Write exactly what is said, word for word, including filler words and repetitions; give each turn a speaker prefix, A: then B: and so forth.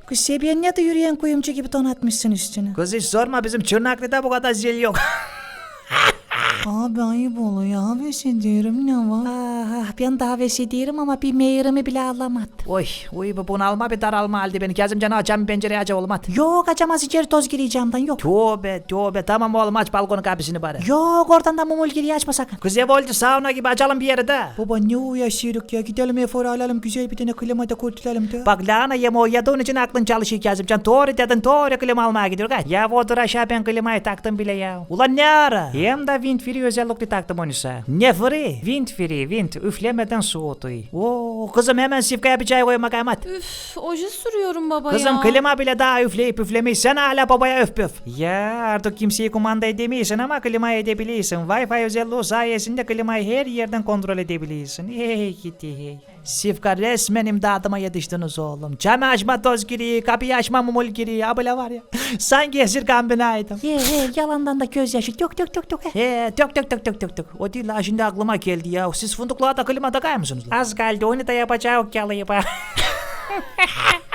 A: Kız Sebiye ne de yürüyen kuyumcu gibi donatmışsın üstüne.
B: Kız hiç sorma, bizim Çırnaklı'da bu kadar zil yok.
A: Abi ayıp oluyor. Havesi diyorum ne var? Ah, ben de havesi diyorum ama bir meyrimi bile alamadım.
B: Oy uy bu bunalma bir daralma aldı beni. Kazım canı açan pencereye aç olmadı.
A: Yok açamaz içeri toz gireceğimden yok.
B: Tövbe tövbe, tamam oğlum aç balkonun kapısını bari.
A: Yok oradan da mumul giriyor açma sakın.
B: Kız ev oldu sauna gibi, açalım bir yere de.
A: Baba ne uğraşıyoruz ya, gidelim efor alalım güzel bir tane klima da kurtulalım da.
B: Bak lahana yeme o yadığın için aklın çalışıyor Kazımcan. Doğru dedin, doğru klima almaya gidiyor kaç. Ya otur aşağı, ben klimayı taktım bile ya. Ulan ne ara? Hem de wind free özellikle taktım onu sana. Ne free? Wind free, wind üflemeden soğutuyor. Oo kızım hemen sifkaya bir çay koyma kaymat.
C: Üf, oje sürüyorum baba
B: Kızım
C: ya.
B: klima bile daha üfleyip üflemeyi, sen hala babaya öf püf. Ya artık kimseyi kumanda edemiyorsun ama klimayı edebiliyorsun. Wi-Fi özelliği sayesinde klimayı her yerden kontrol edebiliyorsun. Hey gitti hey. Sifka resmen imdadıma yetiştiniz oğlum. Camı açma toz giriyor, kapıyı açma mumul giriyor. Abla var ya. Sanki esir kambinaydım.
A: Ye he yalandan da gözyaşı dök dök dök dök. he.
B: He dök dök dök dök dök dök. O değil la, şimdi aklıma geldi ya. Siz fındıklığa da klima takar mısınız? Az kaldı, onu da yapacağız o yalayıp.